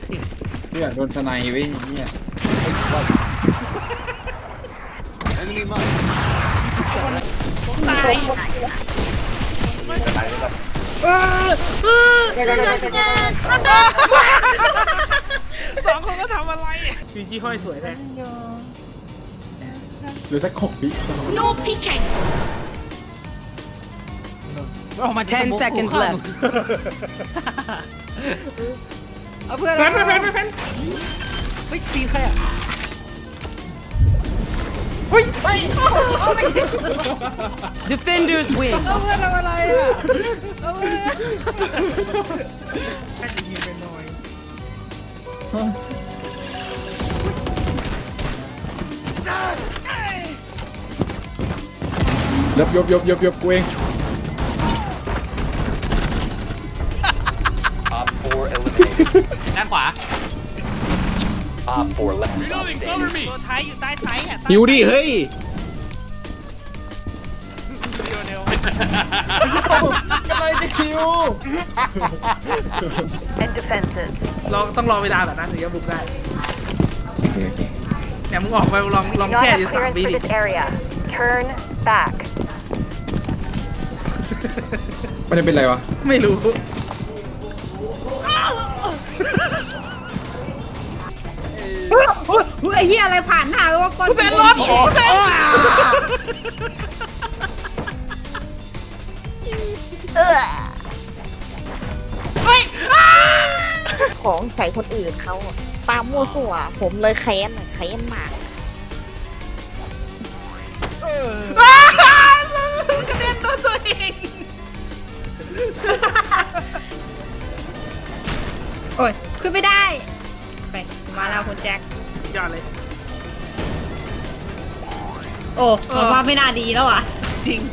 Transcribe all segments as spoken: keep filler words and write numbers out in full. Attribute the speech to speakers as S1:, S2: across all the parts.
S1: เพื่อนโดนสไนเว้ยเนี่ย
S2: ตายสองคนก็ทำอะไรจีจี้ห้อยสวยแท้
S1: หรือสักหกวิ
S3: No peeking
S2: ออกมา
S4: ten seconds left เอาเพื่อน
S2: แพนแพนแพนแพน
S4: เฮ้ยจีนใครอ่ะ
S2: เฮ้ยไป
S4: defenders win เอาเพื่อนทำอะไรอ่ะเอาเพื่อน
S2: แค่จะยิงไปหน่อย
S1: ยบยบยบยบยบกูเอง
S5: Op four eliminated.
S2: ด้านขวา
S5: Op four left.
S2: ตัวท้ายอยู่ใต้ไซส์อ่ะ
S1: หิวดิเฮ้ย
S2: เดียวเดียว
S1: อะไรจะคิว
S6: and defenses.
S2: เราต้องรอเวลาแบบนั้นถึงจะบุกได้
S1: โอเคโอเค
S2: เนี่ยมึงออกไปลองลอง
S6: Do not
S2: แค่
S6: have
S2: อยู่สาม
S6: clearance
S2: วิ
S6: for
S2: ดิ
S6: this area. Turn back.
S1: มันจะเป็นไรวะ
S2: ไม่รู้
S4: ไอ้เหี้ยอะไรผ่านหน้าไปว่าก้อน
S2: เซนรถเซนเฮ้ย
S7: ของใส่คนอื่นเขาอะปามั่วสั่วผมเลยแค้นอะแค้นมาก
S2: กระเด็นโดนตัวเอง
S4: โอ้ยขึ้นไม่ได้ไปมาแล้วคุณแจ็ค
S2: ยอดเลย
S4: โอ้ผมว่าไม่น่าดีแล้วอ่ะ
S2: จริง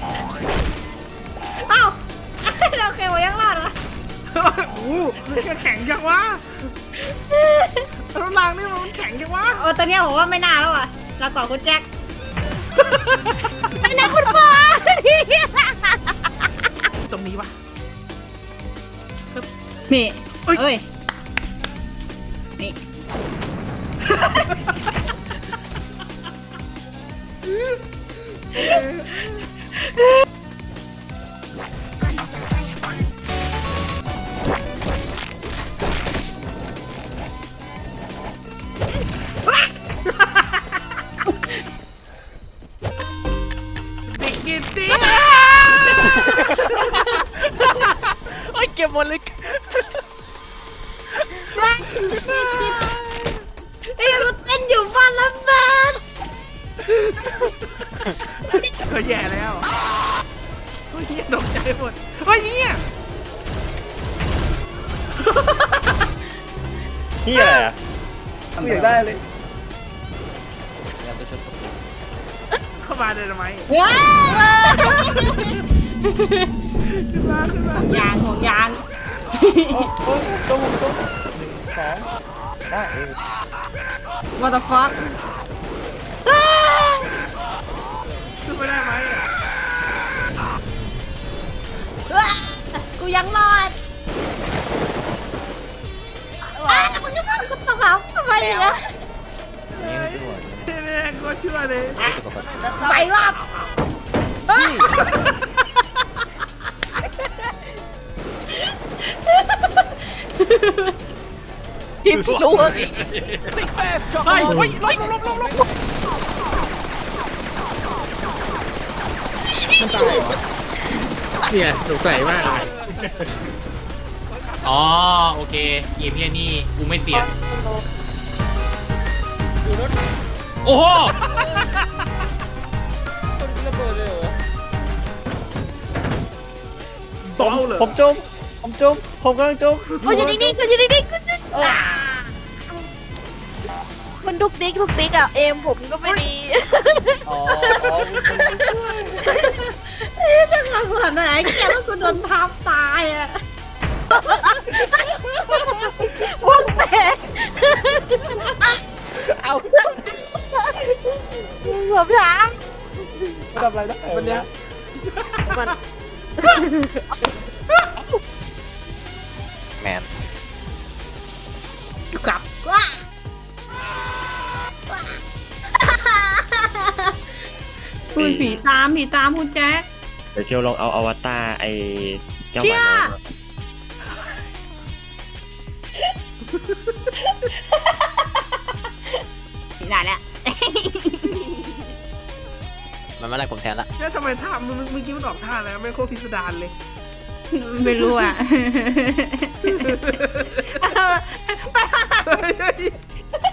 S4: เอ้าเราเคยว่ายังรอดวะ
S2: โอ้โหมันแข็งจังวะรถรางนี่มันแข็งจังวะ
S4: โอ้ตอนเนี้ยผมว่าไม่น่าแล้วอ่ะเราก่อนคุณแจ็ค
S7: ไม่นะคุณพ่อ
S2: ตรงนี้วะ
S4: นี่
S2: เอ้ย
S4: เอ้ยนี่
S2: เด็กกินตีโอ้ยเก็บหมดเลย
S4: ไอ้ยังเต้นอยู่บ้านแล้วแมน
S2: ก็แย่แล้วเฮ้ยตกใจหมดเฮ้ยเนี่ย
S5: เฮียอะไรอะ
S1: ไม่อยากได้เลย
S2: เข้ามาเลยทำไม
S4: ว้าว
S2: ขึ้นมาขึ้นมา
S4: ห่วงยางห่วงยาง What the fuck
S2: ขึ้นไม่ได้ไหมอะ
S4: กูยังรอดอ้าวมึงจะมากูตกเขาทำไมอย่างเงี้ย
S2: แม่งก็ชั่วเลย
S4: ไปรอบ
S7: พิมพ์รู้ว่า
S2: เฮ้ยเฮ้ยลบลบลบลบลบ
S1: มันตายเหรอ
S8: เนี่ยสงสัยมากเลยอ๋อ โอเคเกมเนี้ยนี่กูไม่เสียโอ้โห
S2: เบาเลย
S5: ผมจม ผมจม ผมกำลังจม
S7: ก็อยู่นิ่งๆก็อยู่นิ่งๆก็อยู่มันดุกดิกดุกดิกอะเอมผมก็ไม่ดี
S5: อ๋อ
S4: จะมาเหมือนไหนแกแล้วกูโดนทับตายอ่ะ
S7: วงแตก
S5: เอา
S7: เกือบช้าง
S5: ทำอะไรได้วันเนี้ย
S7: มัน
S5: แมน
S4: ยผีตามผีตามคุณแจ๊ค
S5: เดี๋ยวเชียวลองเอาอวตารไอ้เจ้าห
S4: เชี่
S5: มาย น้อยมา
S4: ผีไหนเนี่ย
S3: มันมาไล่ผมแทนละ
S2: แล้วทำไมท่ามันเมื่อกี้มันออกท่าแล้วไม่โคตรพิสดารเลย
S4: ไม่รู้อ่ะ
S2: เฮ้ย